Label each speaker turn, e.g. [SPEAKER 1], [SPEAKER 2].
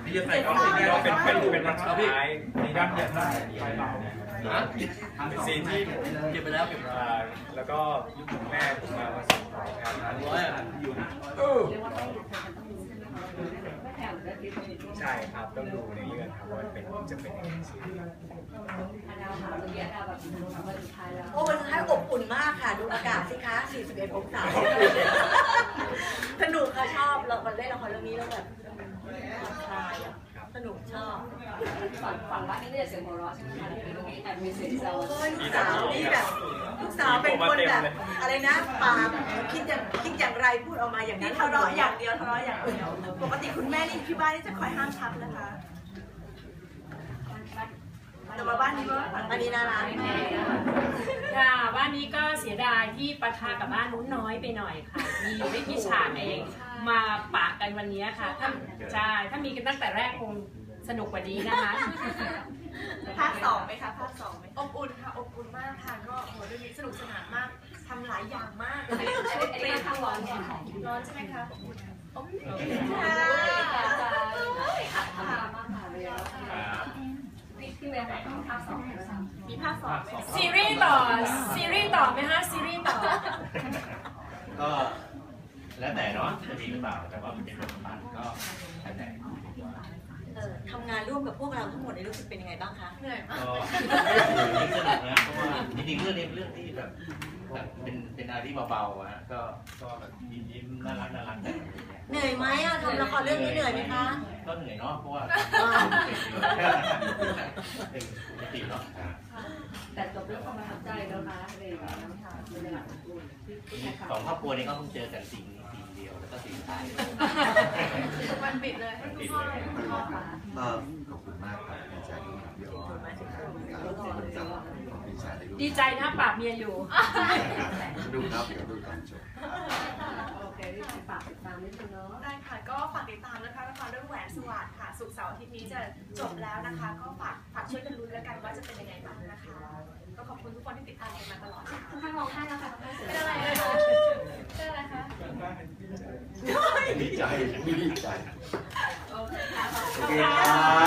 [SPEAKER 1] ที่จะใส่ก็เป็นวันสุดท้ายในด้านเดียร์ได้เป็นซีนที่เก็บไปแล้วแล้วก็แม่ผมมาส่งครับอยู่ใช่ครับต้องดูในเรื่องครับว่าจะเป็นยังไง
[SPEAKER 2] โอ้วันสุดท้ายอบอุ่นมากค่ะดูอากาศสิคะ41 องศาสนุกค่ะชอบเราเล่นละครเรื่องนี้แล้วแบบคลายสนุกชอบ
[SPEAKER 3] ฝั่งว่านี่เนี่ยเสียงหัวเราะใช่ไหมคะที่เมื่อกี้แอบมีเสียงแซว
[SPEAKER 2] ลูกสาวนี่แบบลูกสาวเป็นคนแบบอะไรนะปากคิดอย่างไรพูดออกมาอย่างนั้น
[SPEAKER 4] ทะเลาะอย่างเดียวปกติคุณแม่นี่ที่บ้านนี่จะคอยห้ามทับนะคะแต่มาบ้านนี้ก็
[SPEAKER 2] อันนี้น่ารัก
[SPEAKER 5] ค่ะบ้านนี้ก็เสียดายที่ปะทะกับบ้านนู้นน้อยไปหน่อยค่ะมีไม่กี่ฉากเองมาปะกันวันนี้ค่ะถ้ามีกันตั้งแต่แรกคงสนุกกว่านี้นะคะ
[SPEAKER 4] ภาค 2ไหมคะภาค 2ไหมอบอุ่นค่ะอบอุ่นมากค่ะก็โหเรื่องนี้สนุกสนานมากทำหลายอย่างมากเลย
[SPEAKER 3] เรียนทั้งร้อนเนี่ย
[SPEAKER 4] ร้อนใช่ไหมคะอบอุ่นอบอุ่น
[SPEAKER 3] ค่ะมากค่ะเลยพี่เวย์ไหนภาค 2
[SPEAKER 4] มีภาค 2
[SPEAKER 5] ซีรีส์ต่อไหมคะซีรีส์ต่อ
[SPEAKER 1] ก็แล้วแต่เนาะจะมีหรือเปล่าแต่ว่ามันเป็นบทบาทก็แล้วแต่
[SPEAKER 2] ทำงานร่วมกับพวกเราทั้งหมดในรู้สึกเป็นยังไงบ้างคะ
[SPEAKER 4] เหนื่อยมาก
[SPEAKER 1] ก็สนุกนะเพราะว่าจริงๆเรื่องนี้เป็นเรื่องที่แบบเป็นอะไรที่เบาๆฮะก็แบบยิ้มน่ารักแต่
[SPEAKER 2] เหนื่อยไหมอะทำละครเรื่องนี้เหนื่อยไหมคะ
[SPEAKER 1] ก็เหนื่อยเนาะเพราะว่าเป็นปกติเนาะ
[SPEAKER 3] แต่จบเรื่องความประทับใจแล้วนะเลยน้ำชาเป็นหลัก
[SPEAKER 1] สองครอบครัวนี้ก็เพิ่งเจอกันสิ่งเดียวแล้วก็สิ่งท้าย
[SPEAKER 4] วันปิดเลย
[SPEAKER 1] ปิดเลย
[SPEAKER 6] ขอบคุณมากครับดีใจที่มาเยอะมาก
[SPEAKER 5] ดีใจนะปากเมียอยู่
[SPEAKER 6] ดูครับเดี๋ยวดูตอนจบ
[SPEAKER 3] โอเคที่ฝากติดตามนิดนึงเนาะ
[SPEAKER 4] ได้ค่ะก็ฝากติดตามนะคะละครเรื่องแหวนสวัสดิ์ค่ะศุกร์เสาร์อาทิตย์นี้จะจบแล้วนะคะก็ฝากช่วยกันลุ้นแล้วกันว่าจะเป็นยังไงบ้างนะคะก็ขอบคุณทุกคนที่ติดตามมาตลอด
[SPEAKER 3] ข้างร้องไห้แล้วค่ะ
[SPEAKER 4] เป็นอะไรนะคะเป็นอะไรคะ
[SPEAKER 6] ดีใจ
[SPEAKER 3] โอเคค่ะ
[SPEAKER 6] ขอบคุณ